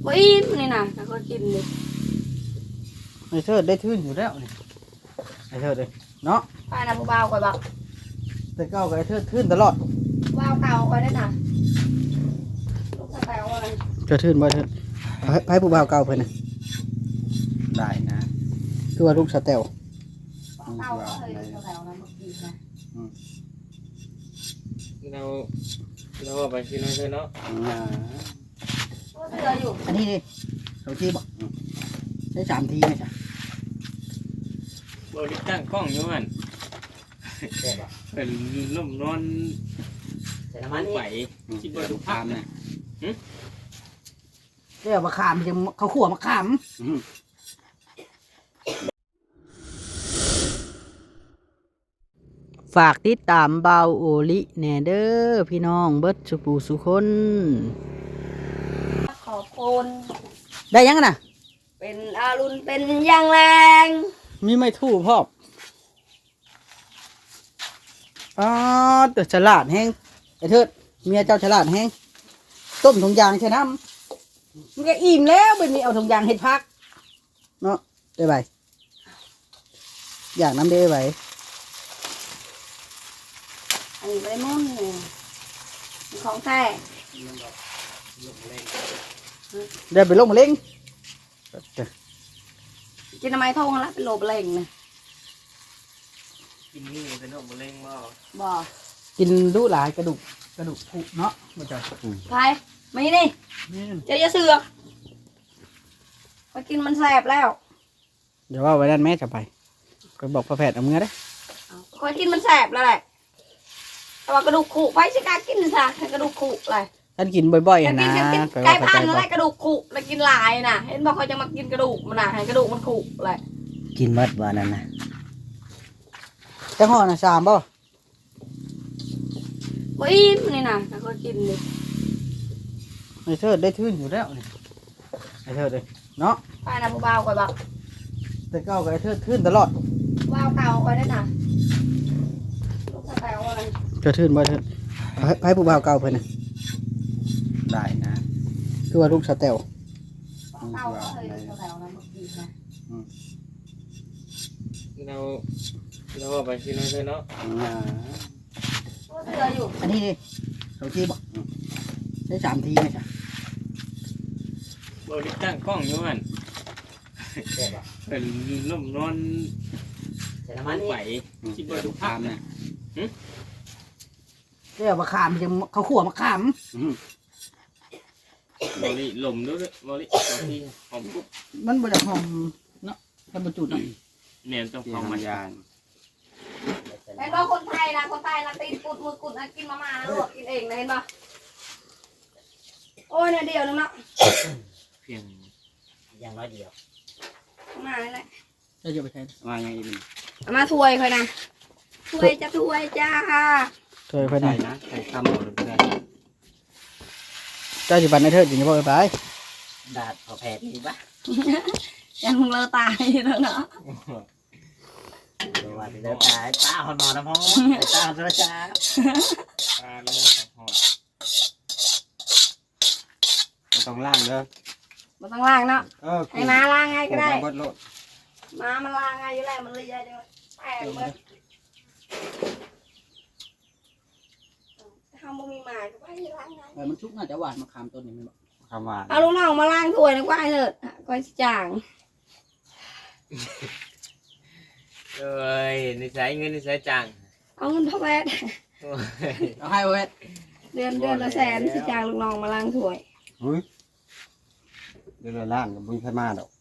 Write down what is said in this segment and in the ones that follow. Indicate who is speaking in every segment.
Speaker 1: บ่อิ่มนี่นะถ้าก็กินดิ
Speaker 2: ไอ้เธอได้ทื่นอยู่แล้วนี่ไอ้เธอเลยเนาะ
Speaker 1: ป้าน่ะผู้บ่าวก่อยบอก
Speaker 2: แต่เก้ากับไอ้เธอทื่นตลอด
Speaker 1: บ่าวเก่าก่อยได้น่ะลูกสาวอะไร
Speaker 2: เธอทื่นบ่เธอให้ผู้บ่าวเก่าเพิ่นน่ะได้นะคือว่าลูกสแตล
Speaker 1: เก่าก็เลยสาวนั้นบอกดีนะ
Speaker 3: เราไปกินอะไรเนาะ
Speaker 1: เสืออยู่
Speaker 2: อันนี้ดิ2 ทีบ่ใช้3 ทีไหมจ๊ะ
Speaker 3: บริตั้งกล้องอยู่มันเป็นล่มนอนแต่ละมันไหวคิดว่าดูภาพนะ
Speaker 2: เรียกมะขามจะเขาขั่วมะขามฝากติดตามเบาโอลิแหน่เด้อพี่น้องเบิดสุปูสุคน
Speaker 1: ขอบคุณ
Speaker 2: ได้ยังน่ะ
Speaker 1: เป็นอารุณเป็นอย่างแรง
Speaker 2: มีไม่ทู่พ่อแต่ฉลาดแห้งไอ้เถิดเมียเจ้าฉลาดแห้งต้มถุงยางใช่น้ำมันก็อิ่มแล้วเป็นนี้เอาถุงยางเห็ดพักเนาะได้ใบอย่างน้ำได้ใบ
Speaker 1: อันนี้ไปมุ่นของแท้
Speaker 2: ได้ไปลงมาเล่ง
Speaker 1: กินทำไมท่องแล้วเป็นโลบเล่งนะ
Speaker 3: กินนี่เป็นโรคมะเร็ง
Speaker 1: บ่
Speaker 2: กินดูหลายกระดูกผุเนาะมันจะ
Speaker 1: ใครไม่นี่เจ้าจะเสือกไปกินมันแสบแล้ว
Speaker 2: เดี๋ยวว่าไว้ด้านแม่จะไปก็บอกพ่อแพทย์เอาเงินได้
Speaker 1: คอยกินมันแสบแล้วแหละแต่ว่ากระดูกขุไปสิการกินซะกระดูกขุเลย
Speaker 2: ท่านกินบ่อยๆนะ
Speaker 1: ไก่พันอะไรกระดูกขุแล้วกินหลายน่ะเห็นบอกเขาจะมากินกระดูกมันน่ะให้กระดูกมันขุเลย
Speaker 4: กินมัดวันนั้นนะ
Speaker 2: แต่ห่อน่ะ3บ่
Speaker 1: บ่อิ่มนี่นะถ้าก็กินดิ
Speaker 2: ไอ้เธอได้ทื่นอยู่แล้วนี่ไอ้เธอเลยเนาะ
Speaker 1: ป้าน่ะผู้บ่าวก่อยบอก
Speaker 2: แต่เก้ากับไอ้เธอทื่นตลอด
Speaker 1: บ่าวเก่าก่อยได้น่ะลูกสาวอะไร
Speaker 2: เธอทื่นบ่เธอให้ผู้บ่าวเก่าเพิ่นน่ะได้นะคือว่าลูกสแตล
Speaker 1: เก่าก็เลยสาวนั้นบอกดีนะ
Speaker 3: เราไปกินอะไรเนาะ
Speaker 1: เสืออยู่
Speaker 2: อันนี้ดิ2 ทีบ่ใช้3 ทีไหมจ๊ะ
Speaker 3: บริตั้งกล้องอยู่มันเป็นล่มนอนแต่ละมันไหวคิดว่าดูภาพนะ
Speaker 2: เรียกมะขามจะเขาขั่วมะขาม
Speaker 3: บริลมด้วยบริที่หอมกุ๊บ
Speaker 2: มันบ่ได้หอมเนาะมันบ่จุดเนาะ
Speaker 3: เนี่ยต้องหอมมันยาง
Speaker 1: เห็นป่ะคนไทยนะตีนกุดมือกุดนะกินมาม่าลวกกินเองนะเห็นป่ะโอ้ยเนี่ยเดียวนึงเนาะ
Speaker 3: เพียง
Speaker 4: อย่างน้อยเดียว
Speaker 1: มาเลยแหละ
Speaker 2: จะไปใช้
Speaker 3: มาไงอีก
Speaker 1: มาถ้วยค่อยนะถ้วยจะถ้วยจ้า
Speaker 2: ถ้วยค่อยนะ
Speaker 3: ใส่คำหมดเลย
Speaker 2: เจ้าสิบันให้เธอจริงๆบ่ไป
Speaker 4: ดาดพอแผดดีปะ
Speaker 1: ยังมึงเลอะตายแล้วเนาะ
Speaker 4: ตัวที่เลิกตายตาหอนอนนะพ่อตาหอนจ้า
Speaker 3: ต้องล่างเลย
Speaker 1: มันต้องล้างเนาะให้มาล้างไงก็ได้มามันล้างไงอยู่แล้วมันเลยเดี๋ยวแตกเลยทำบ่มีหมาก็ไปล้างไง
Speaker 2: มันชุกน่าจะหวานมะขามต้นนี้มั้ย
Speaker 3: คำหวาน
Speaker 1: เอาลูกน้องมาล้างถ้วยนะกว่าเถิดก้อยจาง
Speaker 3: เอ้ยนิสัยเงินนิสัยจัง
Speaker 1: เอาเงินพ่อแพทย์
Speaker 2: เอาให้เวท
Speaker 1: เดือนละ100,000สิจางลูกน้องมาล้างถ้วย
Speaker 3: เดือนละล้านกับบุญพม่าดอก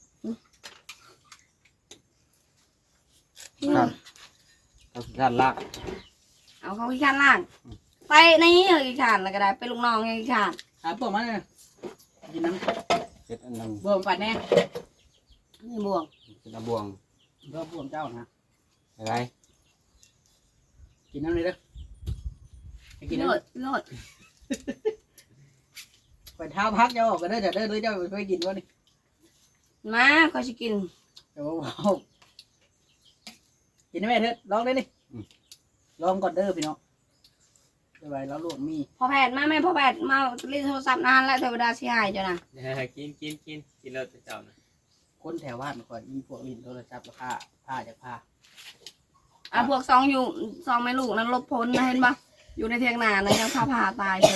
Speaker 3: ครับเขาขี้ขันล่าง
Speaker 1: เอาเขาขี้ขันล่างไปนี่เขาขี้ขันแล้วก็ได้เป็นลูกน้องไงขี้ขัน
Speaker 2: พวกมันเลยกินน้
Speaker 3: ำเจ็ดอันนึง
Speaker 2: บวงปัดแน่
Speaker 1: นี่บวง
Speaker 3: เป็นบวง
Speaker 2: บวงเจ้านะ
Speaker 3: อะไร
Speaker 2: กินน้ำเลยเด้อ
Speaker 1: กินโลด
Speaker 2: ไปเท้าพักเจ้าออกกันได้แต่เด้อเจ้าไปกินวะนี่
Speaker 1: มาเขาจะกิน
Speaker 2: โอ้กินได้ไหมเถิดลองได้ดิลองก่อนเด้อพี่น้องสบายแล้วลูกมี
Speaker 1: พอแพทย์มาไหมพอแพทย์มาเล่นโทรศัพท์นานแล้วเทวดาเสียหายจ้ะนะ
Speaker 3: กินแล้วจะเจ้านะ
Speaker 2: คนแถวบ้านก่อนมีพวกลินโทรศัพท์ราคาผ้าจากผ้า
Speaker 1: พวกซองอยู่ซองแม่ลูกนั้นลบพ้นนะเห็นปะอยู่ในเทียงนานะยังพาผ่าตายเลย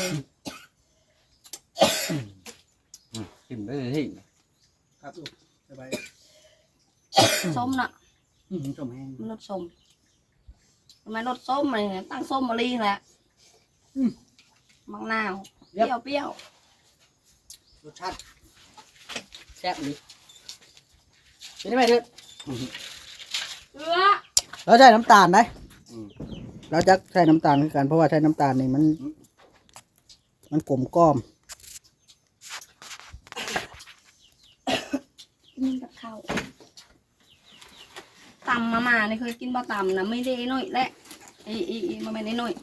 Speaker 3: กินไปเลยที่
Speaker 2: ครับลูกสบาย
Speaker 1: ส้มน่ะ
Speaker 2: ชมแห้ง
Speaker 1: มันรสส้มทำไมรสส้มอะไรเนี่ยตั้งส้มมะลิแหละมะนาวเปรี้ยว
Speaker 2: รสชาติแซ่บดีเป็นยังไงเด้อ
Speaker 1: เกลือ
Speaker 2: เราใช้น้ำตาลได้เราจะใช้น้ำตาลคือกันเพราะว่าใช้น้ำตาลนี่มันกลมกล่อม
Speaker 1: นี่กับข้าวตำมานี่เคยกินบ่ตำนะไม่ได้หน่อยแหละอีมาไม่ได้หน่อย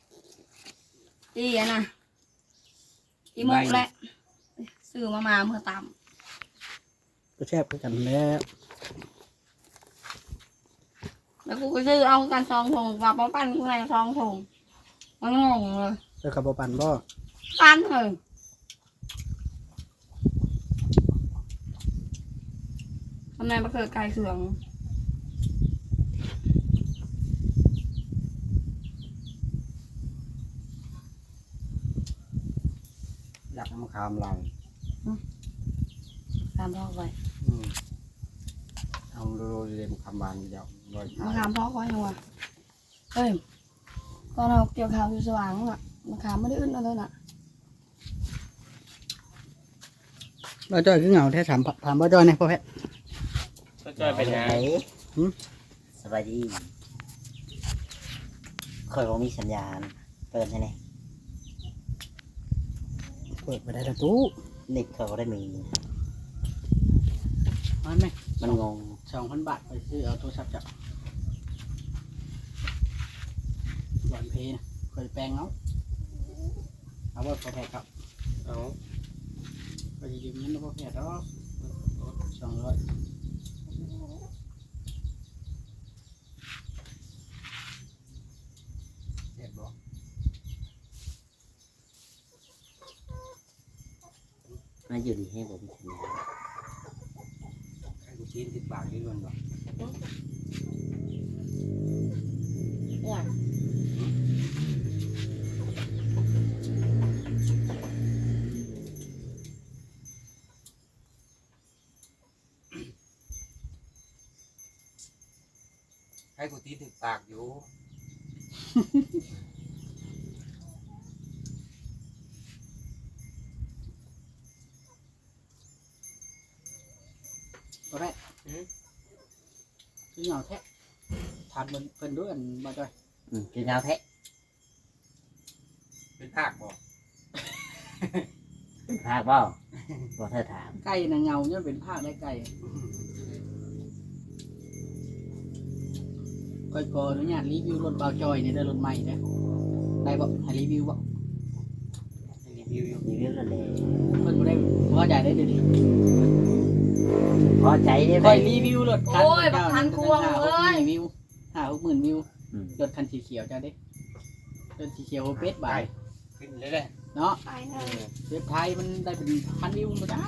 Speaker 1: อะนะอีหมกแหละซื้อมาเมื่อตำ
Speaker 2: ก็แซ่บคือกันแล้ว
Speaker 1: แล้วกูก็ซื้อเอากันซองถุงกับป้องปั้นกูในซองถุงมันงงเลย
Speaker 2: เจอกับปันบ่
Speaker 1: ปั้นเลยทำไมมาเกิดไก่เสือง
Speaker 4: หลักมะขามลัง
Speaker 1: ตามพ่อไว้
Speaker 4: เอาโรยเลยมะขามบานเดียวโรย
Speaker 1: มะขามพ่อไว้ยังวะเฮ้ยตอนเราเกี่ยวข้าวอยู่สว่างอ่ะมะขามไม่ได้อึดอะไรน่ะ
Speaker 2: บ่จ้อยคือเหงาแท้ถามบ่จ้อยเนี่ยพ่อแพทย์
Speaker 3: ก็จะเป็นไง
Speaker 4: สบายดีคอยว่ามีสัญญาณเปิดใช่ไหม
Speaker 2: เปิดไปได้แล้วตู้
Speaker 4: เน็ตเขาก็ได้มี
Speaker 2: มันไหม
Speaker 4: มันงง
Speaker 2: 2,000 บาทไปซื้อเอาโทรศัพท์จับหวานเพนะเคยแปลงเอาว่าพ่อแพทย์ครับ
Speaker 3: เอา
Speaker 2: ไปยืมเงินพ่อแพทย์200เจ็บบ่
Speaker 4: น่าอยู่ดีให้ผมมีสัญญาณ
Speaker 2: ไอ้กูจีนติดปากนี่มันบ่
Speaker 1: เนี่ย
Speaker 5: ให้กูตีถึงปากอยู่
Speaker 2: พ่อแพทย์คือเหงาแท้ถามเพิ่นด้วยอันบ่จ้อย
Speaker 4: กินข้าวแทะ
Speaker 5: เป็นภาคบอก
Speaker 4: ภาคบ่บ่เธอถาม
Speaker 2: ไก่น่ะเหงาเนี่ยเป็นภาคได้ไก่ก้อยขออนุญาตรีวิวรถเบาจอยนี่ได้รถใหม่เด้อได้บ่ให้รีวิวบ่
Speaker 3: รีวิวอยู่
Speaker 4: รีวิวแล้วเลย
Speaker 2: เพิ่นบ่ได้พอใจได้เดี๋ยวนี้
Speaker 4: พอใจได้ไหม
Speaker 2: ค่อยรีวิวรถคัน
Speaker 1: โอ้ยบักทันควงเลย
Speaker 2: วิว5-60,000วิวรถคันสีเขียวจ้าเด้รถสีเขียวเป็ดบาย
Speaker 5: ขึ้นเลยเลย
Speaker 2: เนาะ
Speaker 1: ไปเลย
Speaker 2: เว็บไทยมันได้เป็นพันวิวบ่จ้า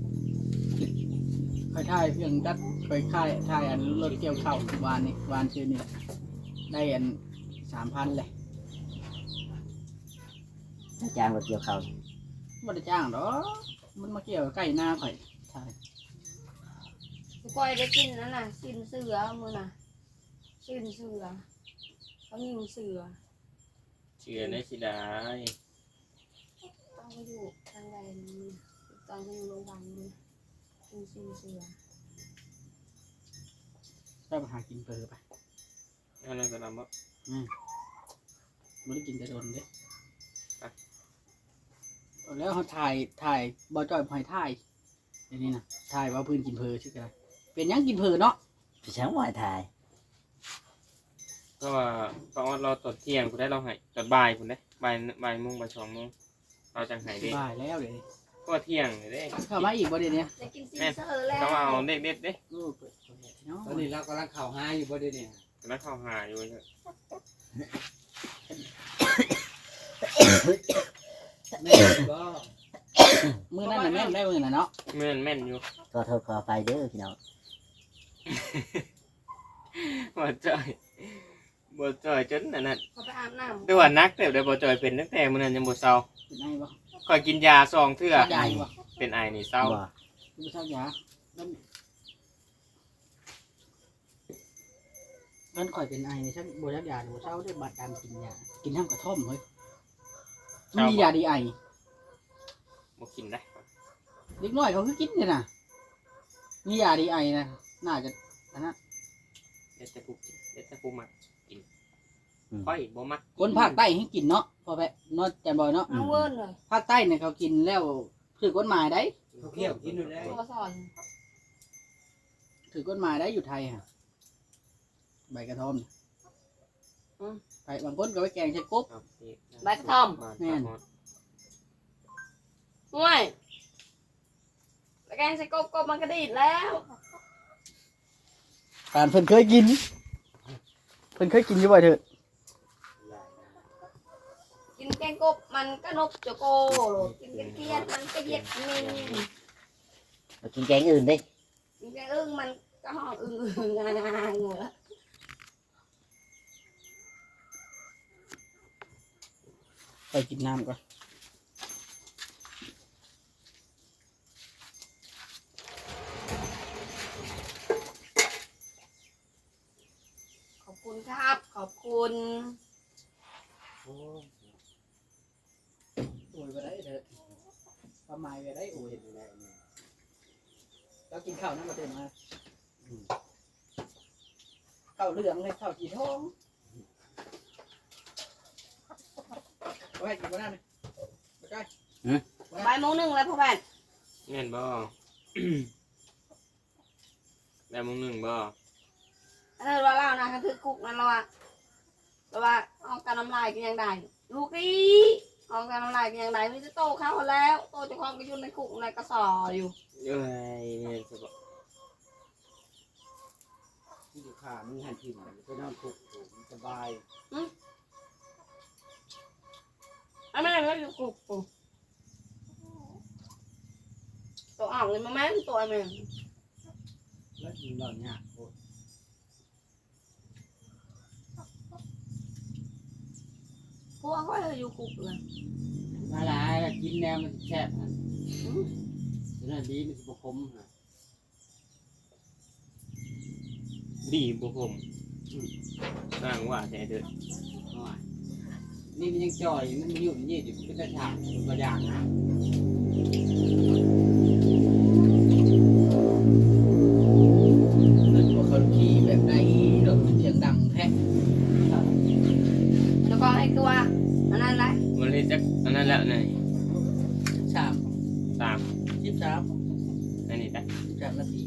Speaker 2: ค่อยถ่ายเพียงจัดค่อยถ่ายอันรถเกี่ยวข้าววานนี่วานชื่อนี่แหละได้อัน 3,000เลย
Speaker 4: จ้างรถเกี่ยวเขา
Speaker 2: บ่ได้จ้างดอกมันมาเกี่ยวใกล้หน้าข่อยใช่
Speaker 1: กูก้อยได้กินนั่นน่ะสิ้นเสือมือน่ะสิ้นเสือเขายิงเสือ
Speaker 3: เชื่อในสิได้
Speaker 1: ต้องไปอยู่ทางใดนี่ต้องไปอยู่โรงพยาบาลนี่สิ้นเสือ
Speaker 2: ไปหากินเปลือไป
Speaker 3: เอานั่นก็นำว่า
Speaker 2: บ่ได้กินแต่โดนเด้แล้วเขาถ่ายบ่จ่อยพอยถ่ายเดี๋ยวนี้นะถ่ายว่าพื้นกินเพลชื่ออะไรเป็นหยังกินเพลเนาะ
Speaker 4: พี่ช้างวายถ่าย
Speaker 3: ก็ว่าตอนเราตดเที่ยงคุณได้เราให้ตดบ่ายคุณได้บ่ายโมงบ่าย2 โมงเราจังให้ได้
Speaker 2: บ่ายแล้วเดี๋ยวนี้
Speaker 3: ก็เที่ยงเลยเด้
Speaker 2: เข้ามาอีกบ่เดี๋ยวนี้
Speaker 1: ได้กินสิ้นเสือแล้ว
Speaker 3: ก็เอาเด็ดๆเด้
Speaker 2: โอ้เปิดเผยเนาะ
Speaker 5: ตอนนี้เรากำลังเข่าหาอยู่บ่เดี๋ยวนี้
Speaker 3: แล้วเข้าหาอยู่เถอะ
Speaker 5: แม่ก็
Speaker 2: มื้อนั้นน่ะแม่นได้มื้อน่ะเนาะ
Speaker 3: แม่นอยู่
Speaker 4: ขอโทษขออภัยเด้อพี่น้อง
Speaker 3: บ่จอยจนอันนั้น
Speaker 1: เขาไปอาบน้ำ
Speaker 3: แต่ว่านักแต่ได้บ่จอยเป็นตั้งแต่มื้อนั้นยังบ่เศร้า
Speaker 2: เป็นไงบ่
Speaker 3: ค่อยกินยา2เทื่อ
Speaker 2: ใหญ่บ่
Speaker 3: เป็นไอนี่เศร้า
Speaker 4: บ่
Speaker 2: บ่เช้ายามันข่อยเป็นไอนี่ฉันบ่รับยาบ่เช้าด้วยบัดการกินยากินน้ำกระท่อมเฮ้ยมียาดีไอ
Speaker 3: บ่กินได้
Speaker 2: เด็กน้อยเขาคือกินเนี่ยน่ะมียาดีไอนะน่าจะอันนั้น
Speaker 3: เดี๋ยวแต่ผู้มักกินค่อยบ่มัก
Speaker 2: คนภาคใต้ให้กินเนาะพอไปเนาะจันบอยเนาะ
Speaker 1: เอาเวิร์นเลย
Speaker 2: ภาคใต้เนี่ยเขากินแล้วถือกฎหมายได้
Speaker 5: เขาเคี่ยวกินอยู่แล้ว
Speaker 1: ตัวสอน
Speaker 2: ถือกฎหมายได้อยู่ไทยฮะใบกระท่อมน่ะไปบางคนก็ไปแกงใช้กบ
Speaker 3: ครับนี่
Speaker 1: ใบกระท่อม
Speaker 2: แม่น
Speaker 1: ห่วยแล้วแกงใส่กบมันกระดิดแล้ว
Speaker 2: การเพิ่นเคยกินอยู่บ่เถอะ
Speaker 1: กินแกงกบมันก็นกจะโกกินแกงเทียนมันก็เย็ดมิน
Speaker 4: มากินแกงอื่นดิ
Speaker 1: กินแกงอึ้งมันก็ห้องอึ้งงางหมดแล้ว
Speaker 2: ไปกินน้ำก่อน
Speaker 1: ขอบคุณครับ ขอบคุณ
Speaker 2: โอ้ยไปได้เถอะประมาณไปได้โอ้ยแล้วกินข้าวนั่นมาเต็มมาข้าวเหลืองเลยข้าวสีทองไว้กินบ้านเลยไปใกล้
Speaker 1: บ่ายโมงหนึ่งแล้วพ่อแม่
Speaker 3: แม่นบ่ ได้มื้อหนึงบ่
Speaker 1: อันนั้นว่าเล่านะก็คือกุ๊กนั่นเราว่าเอาการน้ำลายกันยังได้ลูกอีเอาการน้ำลายกันยังได้ไม่จะโตเข้าแล้วโตจะคล้องก็อยู่ในกุ๊กในกระสออยู่
Speaker 3: เอ้ยแม่นซะบ่
Speaker 5: ที่อยู่ขามึงหันถิ่นไปนอนคุกสบาย
Speaker 1: อันนั้นก็อยู่กุ๊กตัวอ่างเลยมาแม่นตัวแม่
Speaker 5: แล้วกินนอนยากโคตร
Speaker 1: พวกเขาอยู่กุ๊กเลย
Speaker 5: มาหลายแล้วกินแนวมันแซ่บนะฉะนั้นดีมันสิบคมฮะ
Speaker 3: ดีบ่ผมสร้างว่าแต่เด้อ
Speaker 5: น้อยนี่มันยังจ่อยมันอยู่นี่อยู่เป็นตะฉากตัวอย่างนะ
Speaker 2: เพิ่นบอกเขาขี่แบบไหนรถเสียงดังแท้
Speaker 1: แล้วก็ให้ตัวอันนั้นแหละ
Speaker 3: มันเลยจักอันนั้นแล้วนี่
Speaker 2: 3
Speaker 3: 3
Speaker 2: 13
Speaker 3: อันนี้ได้
Speaker 2: 3นาที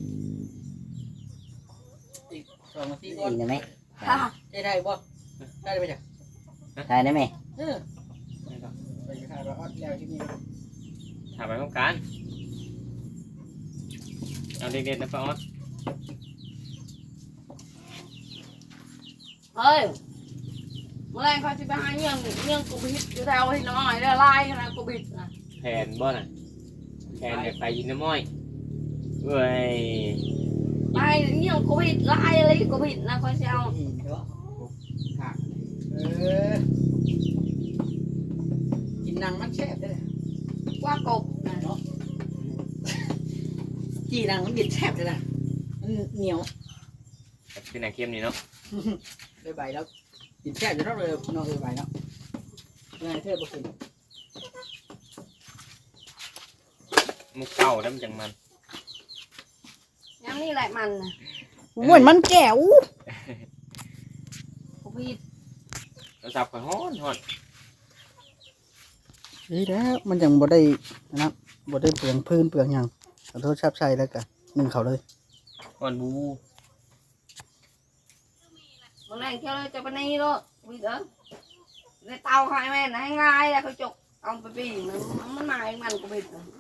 Speaker 2: อีก2นาทีก่อน
Speaker 4: กินได้ไหม
Speaker 1: ค่ะ
Speaker 2: ได้บ่ได้ไปจ้ะ
Speaker 4: ทายได้ไหม
Speaker 2: เออไปถ่ายว่าออดแล้วที่นี่
Speaker 3: ถามไปพร้อมกันเอาเด็กๆนะป้าออส
Speaker 1: เฮ้ยเมื่อไรเขาจะไปหาเงี้ยงกูบิดอยู่แถวที่น้อยได้ไล่ขนาดกูบิดนะ
Speaker 3: แผนบ่น่ะแผนเนี่ยไปยินน้ำม้อยเว้ย
Speaker 1: ไล่เงี้ยงกูบิดไล่อะไรกูบิดนะเขาจะเอา
Speaker 2: หินเนาะ
Speaker 5: ขา
Speaker 2: เออกินนังมันแซ่บได้เลย
Speaker 1: ว่ากบนะ
Speaker 2: เนาะจีนังมันกินแซ่บเลยนะมันเหนียว
Speaker 3: เป็นหนังเข้มนี่เนาะ
Speaker 2: เลยใบแล้วกินแซ่บจะต้องเลยน้องเลยใบแล้วไงเธอบอกกิน
Speaker 3: มุกเก่าแล้วมันจังมัน
Speaker 1: ย้ำนี่แหละมันนะ
Speaker 2: เหมือนมันแก้ว
Speaker 1: กูบิด
Speaker 3: เราสับข่อยฮ้อน
Speaker 2: นี่แล้วมันยังบ่ได้นะครับบ่ได้เปลืองพื้นเปลืองหยังขอโทษชับชัยแล้วกันนึ่งเขาเลย
Speaker 3: ฮ้อนบู
Speaker 1: เมื่อไรเที่ยวเลยจะไปนี่ด้วยบิดเออในเตาใครแม่นะให้ง่ายแล้วเขาจกเอาไปปีมันหมายมันกูบิดนะ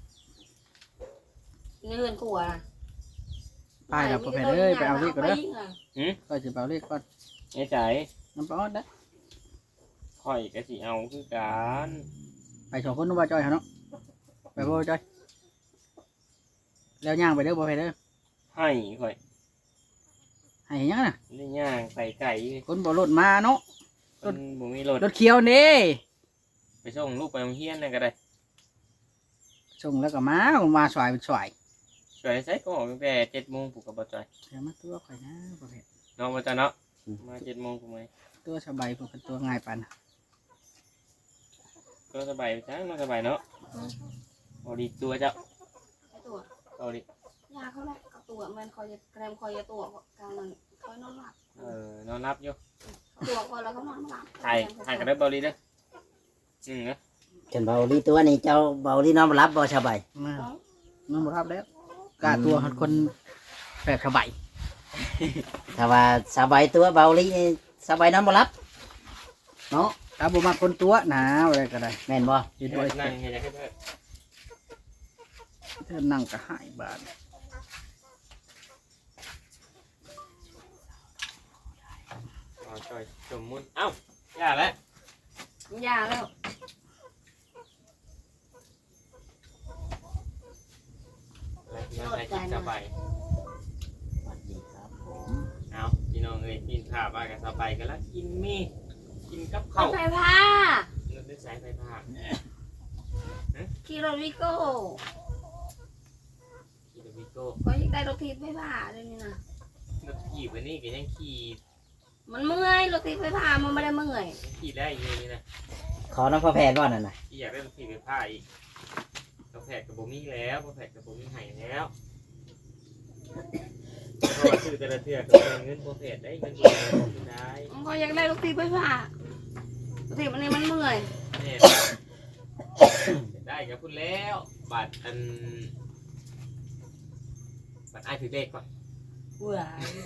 Speaker 1: เงื่อนกูอ่ะ
Speaker 2: ไปแล้วพ่อแม่เอ้ยไปเอาเลขก่อนเด้อ
Speaker 1: ไปยิงะ
Speaker 2: ก็จะไปเอาเลขก่อน
Speaker 3: ไอ้ใจ
Speaker 2: น้ำปลาออดนะ
Speaker 3: ขข่อยก็สิเอาคือกัน
Speaker 2: ไปสองคนนู้นบ่จอยเหรอเนาะไปบ่จอยแล้วย่างไปเด้อบ่ไปเด้อ
Speaker 3: ให้ข่อย
Speaker 2: ให้หยังน่ะ
Speaker 3: นี่ย่างใส่ไก่
Speaker 2: คนบ่รถมาเนาะ
Speaker 3: คนบ่มีรถ
Speaker 2: รถเขียวนี่
Speaker 3: ไปส่งลูกไปโรงเรียนนั่นก็ได้
Speaker 2: ส่งแล้วก็มาสวยเป็นสวย
Speaker 3: ช่วยใส่ก็ออกตั้งแต่7:00 นผูกกับบ่จอย
Speaker 2: เดี๋ยวมาตัวข่อยนะบ่เผ็ด
Speaker 3: น้องบ่จอยเนาะมา7:00 นผูกไหม
Speaker 2: ตัวสบายพวกกันตัวง่ายปานน่ะ
Speaker 3: ก็สบายจังเนาะสบายเนาะเอาดีตัวเจ้า
Speaker 1: ไอ้ตัว
Speaker 3: เอาดิ
Speaker 1: ยาเขาแหละกับตัวมันคอยจะแกรมคอยจะตัวกลางนั้นคอยนอนหลับ
Speaker 3: นอนรับอยู่
Speaker 1: ตัวคอยแล้วก็นอนหลับ
Speaker 3: ถ่ายกันได้เบาลีเด้อนะ
Speaker 4: ฉันเบาลีตัวนี้เจ้าเบาลีน้องรับบ่สบาย
Speaker 2: มาน้องบ่รับแล้วกล้าตัวคนแปลกสบาย
Speaker 4: ถ้าว่าสบายตัวเบาลีนี่สบายน้องบ่รับเนาะ
Speaker 2: ถ้าบ่มาคนตัวนะอะไรก็ได้
Speaker 4: แม่นบ่
Speaker 2: เห็น
Speaker 3: เฮ็
Speaker 2: บ่
Speaker 3: ดนั่งเฮ็ดให้เพิ่น
Speaker 2: เธอนั่งก็หายบาด
Speaker 3: อ๋อจอยสมมุติเอ้าอย่าแล้ว
Speaker 1: ยาแล้ว
Speaker 3: แล้วใส่กินสบาย
Speaker 4: สวัสดีครับผม
Speaker 3: เอาพี่น้องเอ้ยกินข้าวบ้านกันสบายกันแล้วกินมีกินกับ
Speaker 1: ร
Speaker 3: ข้าว
Speaker 1: ถไฟฟ้าร
Speaker 3: ถด้วยสายไฟฟ้า
Speaker 1: ขี่รถวิโก้
Speaker 3: ขี่รถวิโก้
Speaker 1: ก็ยังได้รถทีไฟฟ้าเลยนี่นะ
Speaker 3: รถขี่วันนี้ก็ยังขี่
Speaker 1: มันเมื่อยรถทีไฟฟ้ามันไม่ได้เมื่อย
Speaker 3: ยังขี่ได้อยู่นี่นะ
Speaker 4: ขอน้องพ่อแพทย์บ่นั่นน่ะ
Speaker 3: ขี่อยากได้รถขี่ไฟฟ้าอีกกาแฟกับโบมี่แล้วกาแฟกับโบมี่ไห้แล้วเพราะว่าซื้อแต่ละเทือกก็เป็นเงินโปรเฟสได้เงินโปรเฟสได้
Speaker 1: มันก็ยังได้รถทีไฟฟ้ารถทีมันนี่มันเมื่อย
Speaker 3: เนี่ยได้กับคุณแล้วบัตรอันบัตรไอถือเลขก่อน
Speaker 1: เบื่อ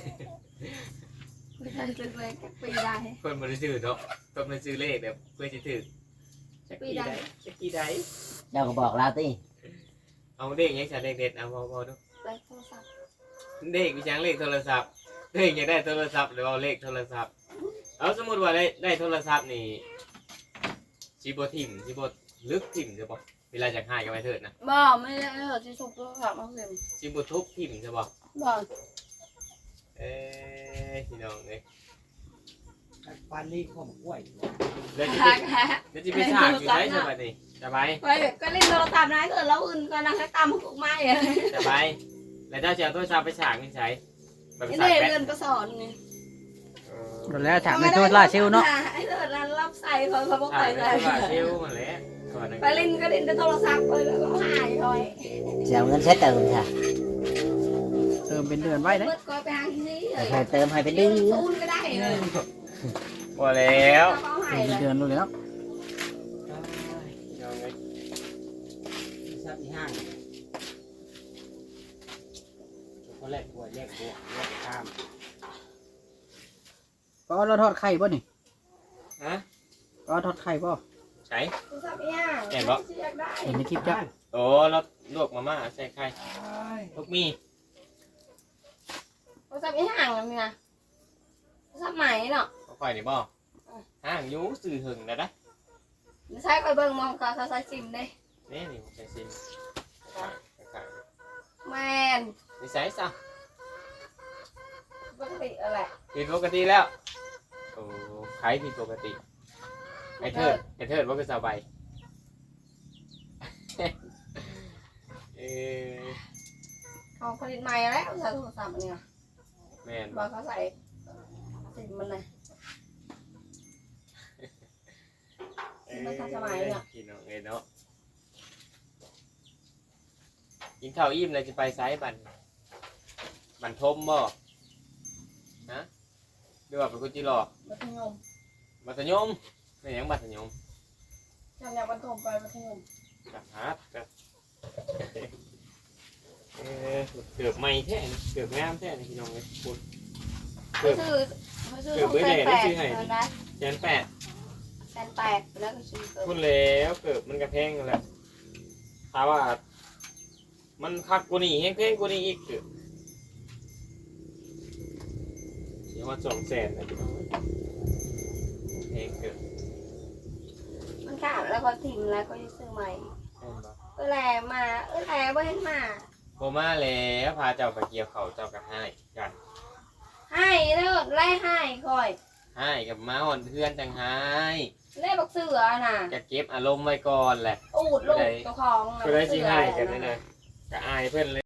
Speaker 1: ไม่ได้เลยปีได้
Speaker 3: คนมันซื้อเนาะคนมันซื้อเลขแบบเพื่อจะถือจะกี่ได้จะกี่ได้
Speaker 4: เจ้าก็บอกเราติ
Speaker 3: เอาเลขยังใช้เลขเด็ดเอาพอดู
Speaker 1: ได้โทรศัพท์
Speaker 3: เลขมีจังเลขโทรศัพท์เลขยังได้โทรศัพท์หรือเอาเลขโทรศัพท์เอาสมมติว่าได้โทรศัพท์นี่ชิบทิมชิบลึกทิมใช่ปะเวลาจะหายกันไปเถิดนะ
Speaker 1: บ่ไม่ได้ที่สุกโทรศัพท์มาเพิ่ม
Speaker 3: ชิบทุบทิมใช่ปะ
Speaker 1: บ่
Speaker 3: พี่น้องเอ้ย
Speaker 5: ปานนี้ข้อมกล้วย
Speaker 3: เดี๋ยวจะ
Speaker 1: หัก
Speaker 3: เดี๋ยวจะไปฉากอยู่ได้ใช่ปะนี่สบาย
Speaker 1: ไปก็เล่นโทรศัพท์นะเกิดเราอื่นก็นั่งให้ตามหุกไม้อะ
Speaker 3: สบายแล้วเจ้าจะเอาโทรศัพท์ไปฉากนี่ใช้ไป
Speaker 1: นี่
Speaker 3: ฉาก
Speaker 1: ได้
Speaker 3: แบต
Speaker 1: เงินก็สอนไง
Speaker 2: หมดแล้วฉากในตัวล่าเชลเนาะ
Speaker 1: ไอ้เถิดนั้นรับใส่เขาบอก
Speaker 3: ฉา
Speaker 1: ไป
Speaker 3: ก
Speaker 1: ใส่
Speaker 3: ในโทรศัพท์เซลล์มาแล้วก่อนนะ
Speaker 1: ไปเล่นก็เล่นแต่โทรศัพท์ไปแล้วก็หายเลย
Speaker 4: สิเอาเงินใช้เติมค่ะ
Speaker 2: เติมเป็นเดือนไว้ได้
Speaker 1: เมื่อก็ไปหาที่นี่เลย
Speaker 4: ให้เติมให้เป็นเดือน
Speaker 1: ตูนก็ได้เลย
Speaker 3: พอแล้ว
Speaker 1: เขาหา
Speaker 2: เติ
Speaker 1: ย
Speaker 2: ม
Speaker 1: เล
Speaker 2: เป็น
Speaker 1: ย
Speaker 2: เดือนรู้แล้ว
Speaker 3: พี่น้องเอ้ย
Speaker 5: ซับที่ห้างก็แลกกล้วยแลกบวกแลกข้าม
Speaker 2: ก็เราทอดไข่ป่ะนี่
Speaker 3: ฮะ
Speaker 2: ก็ทอดไข่ป่ะ
Speaker 3: ใช้
Speaker 1: โทรศัพท์เนี่ย
Speaker 3: แก่บ่
Speaker 1: อยากได้
Speaker 2: เห็นในคลิปจ้ะ
Speaker 3: โอ้เราลวกมาม่าใส่ไข่ลูกมี
Speaker 1: โทรศัพท์ห่างกันนี่นะโทรศัพท์ใหม่เนาะ
Speaker 3: เขาค่อยนี่บ่ห่างอยูสื่อหึงนะนะ
Speaker 1: ใช้คอยเบิ่งมองเขาใช้ซิมได้
Speaker 3: นี่นี่ใส่ซิมไข่
Speaker 1: แมน
Speaker 3: นี่ใส่ซะ
Speaker 1: ปกติอะไร
Speaker 3: ผิดปกติแล้วโอ้ไข่ผิดปกติไอ้เทิดว่าคือสบาย
Speaker 1: เขาผลิตใหม่แล้วใช้โทรศัพท์เนี่ย
Speaker 3: แม่น
Speaker 1: บอกเขาใส่ซิมมันเลย
Speaker 3: กินเอาเนาะกินข้าวอิ่มเลยจะไปไซส์บันทมบ่ฮะดูว่าเป็นคนจีรอ
Speaker 1: มัธยม
Speaker 3: มัธยมไม่ยังมัธยม
Speaker 1: จำแนวบรรทมไปมัธยม
Speaker 3: กับฮาร์ดกับเกือบไม่แท้เกือบงามแท้นี่พี่น้องเลยพูด
Speaker 1: เขาซื้อของแสนแปดเลยนะ
Speaker 3: แสนแปด
Speaker 1: แสนแปดแล้วก็ซื้อ
Speaker 3: พูดแล้วเกือบมันกระแพงกันแล้วถามว่า มันคักกูนี่แห้งเพลงกูนี่อีกเกือบเดี๋ยวว่า200,000นะพี่น้องเพลงเกือบ
Speaker 1: ขาดแล้วก็ทิมแล้วก็จะซื้อใหม่แหล่มาแหล่บ่เห็นมา
Speaker 3: บ่มาแล้วพาเจ้าไปเกี่ยวเขาเจ้าก็ให้กัน
Speaker 1: ให้เด้อไล่ให้คอย
Speaker 3: ให้กับมาหอนเพื่อนจังให้
Speaker 1: ไล่บักเสือน่ะ
Speaker 3: จะเก็บอารมณ์ไว้ก่อนแหละ
Speaker 1: อูดลูกเจ้าของน่ะ
Speaker 3: ก็ได้สิ
Speaker 1: บักเสือ
Speaker 3: ให้กันนั่นน่ะก็อายเพิ่นเลย